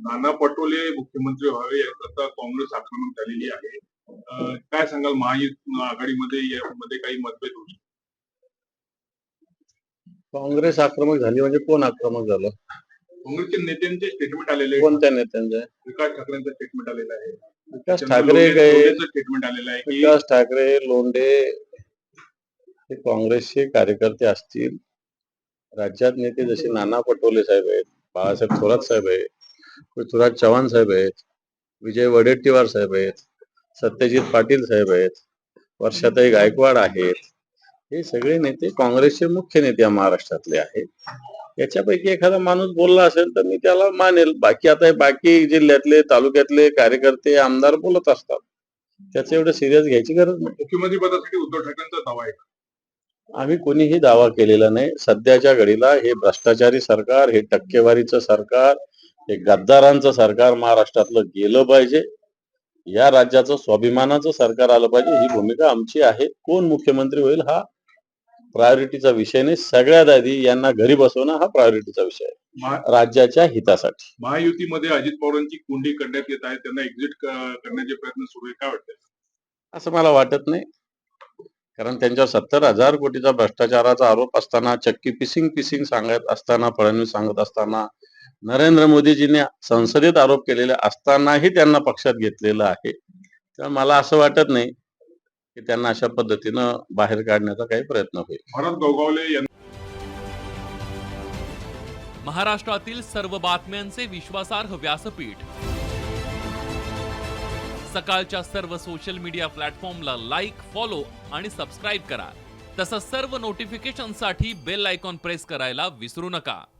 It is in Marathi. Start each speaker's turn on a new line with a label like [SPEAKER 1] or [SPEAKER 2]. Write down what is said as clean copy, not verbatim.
[SPEAKER 1] नाना पटोले मुख्यमंत्री व्हावे याकरता काँग्रेस आक्रमक झालेली आहे. काय सांगाल महायुती आघाडीमध्ये यामध्ये काही मतभेद होऊ शकतात?
[SPEAKER 2] काँग्रेस आक्रमक झाली म्हणजे कोण आक्रमक झालं?
[SPEAKER 1] काँग्रेसच्या नेत्यांचे स्टेटमेंट आलेले आहे.
[SPEAKER 2] कोणत्या नेत्यांचे?
[SPEAKER 1] विकास ठाकरेंचं स्टेटमेंट आलेलं आहे.
[SPEAKER 2] विकास ठाकरे काय?
[SPEAKER 1] स्टेटमेंट आलेलं आहे की
[SPEAKER 2] विकास ठाकरे लोंढे हे काँग्रेसचे कार्यकर्ते असतील. राज्यात नेते जसे नाना पटोले साहेब आहेत, बाळासाहेब थोरात साहेब आहेत, पृथ्वीराज चव्हाण साहेब आहेत, विजय वडेट्टीवार साहेब आहेत, सत्यजित पाटील साहेब आहेत, वर्षाताई गायकवाड आहेत. हे सगळे नेते काँग्रेसचे मुख्य नेते या महाराष्ट्रातले आहेत. याच्यापैकी एखादा माणूस बोलला असेल तर मी त्याला मानेल. बाकी जिल्ह्यातले तालुक्यातले कार्यकर्ते आमदार बोलत असतात, त्याचं एवढं सिरियस घ्यायची गरज नाही.
[SPEAKER 1] मुख्यमंत्री पदासाठी उद्धव ठाकरेंचा दावा आहे.
[SPEAKER 2] आम्ही कोणीही दावा केलेला नाही. सध्याच्या घडीला हे भ्रष्टाचारी सरकार, हे टक्केवारीचं सरकार, हे गद्दारांचं सरकार महाराष्ट्रातलं गेलं पाहिजे. या राज्याचं स्वाभिमानाचं सरकार आलं पाहिजे, ही भूमिका आमची आहे. कोण मुख्यमंत्री होईल हा प्रायोरिटीचा विषय नाही. सगळ्यात आधी यांना घरी बसवणं हा प्रायोरिटीचा विषय आहे, राज्याच्या हितासाठी.
[SPEAKER 1] महायुतीमध्ये अजित पवारांची कोंडी करण्यात येत आहे, त्यांना एक्झिट करण्याचे प्रयत्न सुरू आहे. काय वाटतं?
[SPEAKER 2] असं मला वाटत नाही, कारण त्यांच्यावर 70,000 कोटीचा भ्रष्टाचाराचा आरोप असताना, चक्की पिसिंग सांगत असताना, फडणवीस सांगत असताना, नरेंद्र मोदीजींनी संसदेत आरोप केलेले असतानाही त्यांना पक्षात घेतलेलं आहे. तर मला असं वाटत नाही की त्यांना अशा पद्धतीनं बाहेर काढण्याचा काही प्रयत्न होईल.
[SPEAKER 1] भरत गोगावले
[SPEAKER 3] महाराष्ट्रातील सर्व बातम्यांचे विश्वासार्ह व्यासपीठ, सकाळच्या सर्व सोशल मीडिया प्लॅटफॉर्मला लाईक, फॉलो आणि सबस्क्राईब करा. तसंच सर्व नोटिफिकेशनसाठी बेल आयकॉन प्रेस करायला विसरू नका.